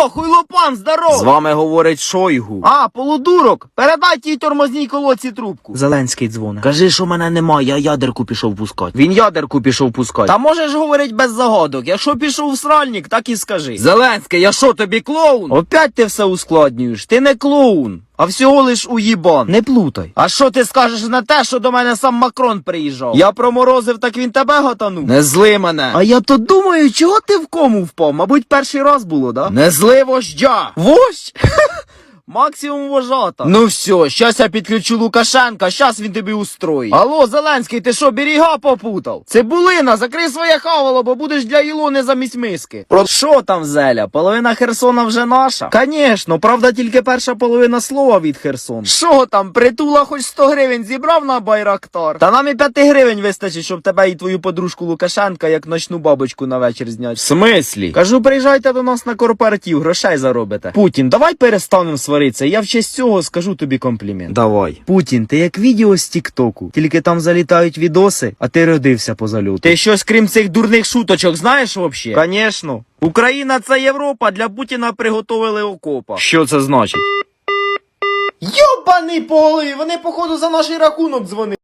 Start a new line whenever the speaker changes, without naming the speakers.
Алло, хуйлопан, здоров!
З вами говорить Шойгу.
А, полудурок, передай тій тормозній колодці трубку.
Зеленський дзвонить. Кажи, що мене немає, я ядерку пішов пускати.
Він ядерку пішов пускати. Та можеш говорить без загадок, якщо пішов в сральник, так і скажи. Зеленський, я що, тобі клоун? Опять ти все ускладнюєш, ти не клоун. А всього лиш уїбан.
Не плутай.
А що ти скажеш на те, що до мене сам Макрон приїжджав? Я проморозив, так він тебе готанув? Не зли мене. А я то думаю, чого ти в кому впав? Мабуть, перший раз було, да? Не зли вождя. Вождь? Максимум вожата. Ну все, щас я підключу Лукашенка, щас він тобі устроїть. Алло, Зеленський, ти що, берега попутав? Цибулина, закрий своє хавало, бо будеш для Ілони замість миски. Про що там, Зеля? Половина Херсона вже наша? Конечно, правда, тільки перша половина слова від Херсона. Що там, притула хоч 100 гривень зібрав на Байрактар? Та нам і 5 гривень вистачить, щоб тебе і твою подружку Лукашенка як ночну бабочку на вечір зняти. В смислі? Кажу, приїжджайте до нас на корпоратив, грошей заробите. Путін, давай перестанемо сваритися, я в честь цього скажу тобі комплімент.
Давай.
Путін, ти як відео з Тіктоку, тільки там залітають відоси, а ти родився по зальоту. Ти щось крім цих дурних шуточок знаєш вообще? Конечно. Україна це Європа, для Путіна приготовили окопа.
Що це значить?
Йобаний по голові, вони походу за наш рахунок дзвонили.